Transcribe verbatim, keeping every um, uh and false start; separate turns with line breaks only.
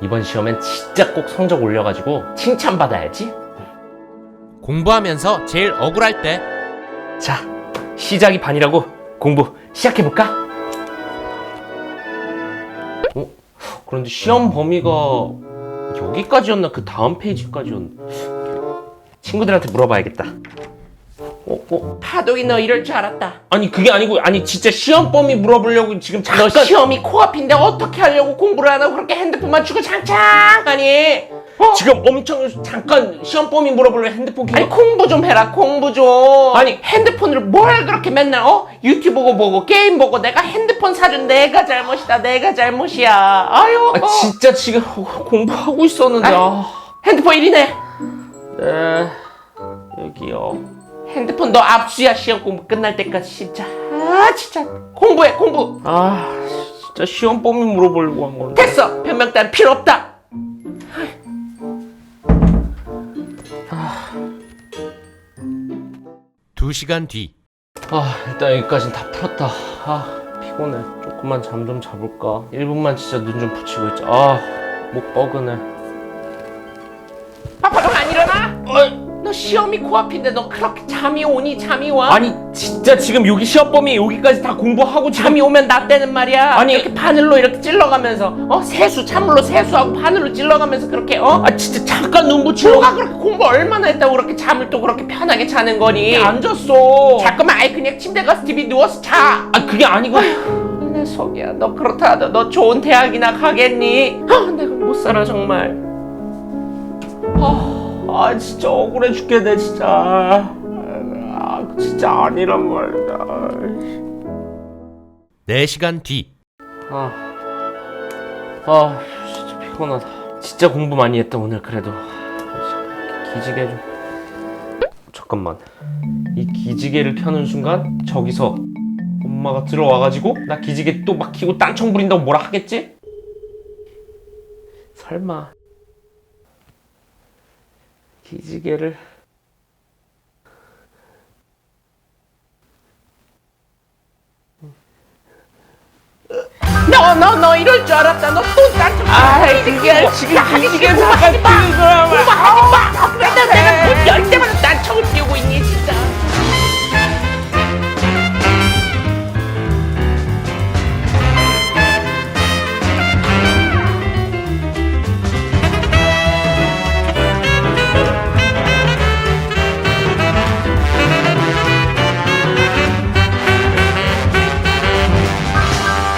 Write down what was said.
이번 시험엔 진짜 꼭 성적 올려가지고 칭찬받아야지.
공부하면서 제일 억울할 때.
자, 시작이 반이라고 공부 시작해볼까? 어? 그런데 시험 범위가 여기까지였나? 그 다음 페이지까지였나? 친구들한테 물어봐야겠다. 어? 어?
파독이 너 이럴 줄 알았다.
아니 그게 아니고, 아니 진짜 시험 범위 물어보려고 지금 잠깐.
너 시험이 코앞인데 어떻게 하려고 공부를 안 하고 그렇게 핸드폰만 주고 장창하니? 어?
지금 엄청 잠깐 시험 범위 물어보려고 핸드폰 켜.
아니 공부 좀 해라, 공부 좀. 아니 핸드폰으로 뭘 그렇게 맨날 어? 유튜브 보고 보고 게임 보고. 내가 핸드폰 사준 내가 잘못이다, 내가 잘못이야. 아유.
아, 진짜 지금 공부하고 있었는데.
아이,
아.
핸드폰 이리네.
네, 여기요.
핸드폰 너 압수야, 시험 공부 끝날 때까지. 진짜 아 진짜 공부해, 공부.
아, 진짜 시험 범위 물어보려고 한 건데.
됐어, 변명 따윈 필요 없다.
두 시간 뒤.
아, 일단 여기까진 다 풀었다. 아, 피곤해. 조금만 잠 좀 자볼까? 일 분만 진짜 눈 좀 붙이고 있자. 아, 목 뻐근해.
파파동 안 일어나?
어이.
너 시험이 코앞인데 너 그렇게 잠이 오니? 잠이 와?
아니, 진짜 지금 여기 시험 범위 여기까지 다 공부하고 지금.
잠이 오면 나 때는 말이야.
아니,
이렇게 바늘로 이렇게 찔러가면서 어 세수 찬물로 세수하고 바늘로 찔러가면서 그렇게 어?
아, 진짜 잠깐 눈 붙이고.
너가 그렇게 공부 얼마나 했다고 그렇게 잠을 또 그렇게 편하게 자는 거니?
안 잤어.
잠깐만, 아예 그냥 침대 가서 티비 누워서 자.
아, 그게 아니고.
내 속이야. 너 그렇다 하다 너 좋은 대학이나 가겠니? 아, 내가 못 살아 정말.
아, 아 진짜 억울해 죽겠네 진짜. 아, 진짜 아니란 말이야.
네 시간 뒤.
아, 아 진짜 피곤하다. 진짜 공부 많이 했다 오늘. 그래도 기지개 좀. 잠깐만, 이 기지개를 켜는 순간 저기서 엄마가 들어와가지고 나 기지개 또 막 켜고 딴청 부린다고 뭐라 하겠지? 설마 기지개를.
너 너 너 이럴 줄 알았다. 너 또 딴청.
아이, 그게 지금 기지개 잠깐 켜는 거야.
공부하지 마. 맨날 내가 문 열 때마다